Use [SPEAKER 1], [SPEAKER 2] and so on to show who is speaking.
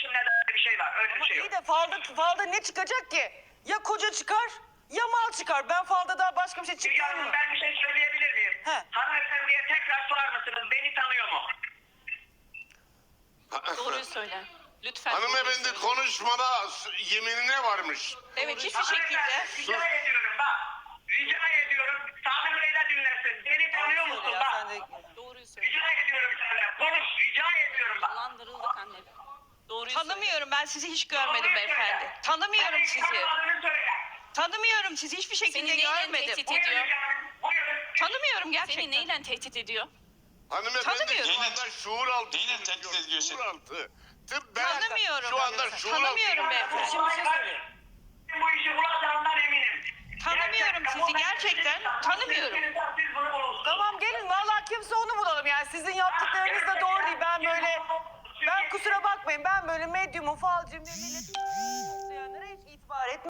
[SPEAKER 1] kardeşim ne de bir şey var. Öyle bir
[SPEAKER 2] Ama
[SPEAKER 1] şey yok.
[SPEAKER 2] iyi de falda ne çıkacak ki? Ya koca çıkar ya mal çıkar. Ben falda daha başka bir şey
[SPEAKER 1] Müge
[SPEAKER 2] çıkmıyor
[SPEAKER 1] Hanım
[SPEAKER 2] mu?
[SPEAKER 1] ben bir şey söyleyebilir miyim?
[SPEAKER 2] He.
[SPEAKER 1] Hanımefendiye tekrar sorar mısınız? Beni tanıyor mu?
[SPEAKER 3] Doğruyu söyle. Lütfen.
[SPEAKER 4] Hanımefendi
[SPEAKER 3] doğruyu söyle.
[SPEAKER 4] konuşmada yeminine varmış.
[SPEAKER 3] Evet hiçbir
[SPEAKER 1] Hanımefendi,
[SPEAKER 3] şekilde.
[SPEAKER 1] rica ediyorum bak. Rica ediyorum. Sami Bey de dinlesin. Beni tanıyor musun
[SPEAKER 2] Ya
[SPEAKER 1] bak?
[SPEAKER 2] sen de...
[SPEAKER 3] Doğruyu söyle.
[SPEAKER 1] Rica ediyorum senden. Konuş. Rica ediyorum bak.
[SPEAKER 3] Dolandırıldık anne. Doğruyu söyle.
[SPEAKER 5] Tanımıyorum, ben sizi hiç görmedim
[SPEAKER 1] Doğruyu
[SPEAKER 5] beyefendi.
[SPEAKER 1] söyle.
[SPEAKER 5] Tanımıyorum
[SPEAKER 1] Beni
[SPEAKER 5] sizi.
[SPEAKER 1] tanımadığını söyle.
[SPEAKER 5] Tanımıyorum sizi, hiçbir şekilde
[SPEAKER 3] Seni neyle
[SPEAKER 5] görmedim.
[SPEAKER 3] tehdit
[SPEAKER 1] Buyurun
[SPEAKER 3] ediyor?
[SPEAKER 1] canım. Buyurun.
[SPEAKER 5] Tanımıyorum gerçekten.
[SPEAKER 3] Seni neyle tehdit ediyor?
[SPEAKER 4] Hanımefendi
[SPEAKER 5] Tanımıyorum.
[SPEAKER 4] şu anda şuur altı.
[SPEAKER 6] Neyle tehdit ediyorsun?
[SPEAKER 4] Şuur altı. Ben
[SPEAKER 5] Tanımıyorum.
[SPEAKER 4] şu anda şuur altı.
[SPEAKER 5] Tanımıyorum beyefendi.
[SPEAKER 2] Şimdi bir şey söyleyeyim.
[SPEAKER 1] Bu işi bulacağından eminim.
[SPEAKER 5] Tanımıyorum sizi, gerçekten tanımıyorum.
[SPEAKER 1] Siz bunu bulursunuz.
[SPEAKER 2] Tamam gelin vallahi kimse onu bulalım yani sizin yaptıklarınız da doğru değil. Ben kusura bakmayın ben böyle medyumum falcıyım diye millet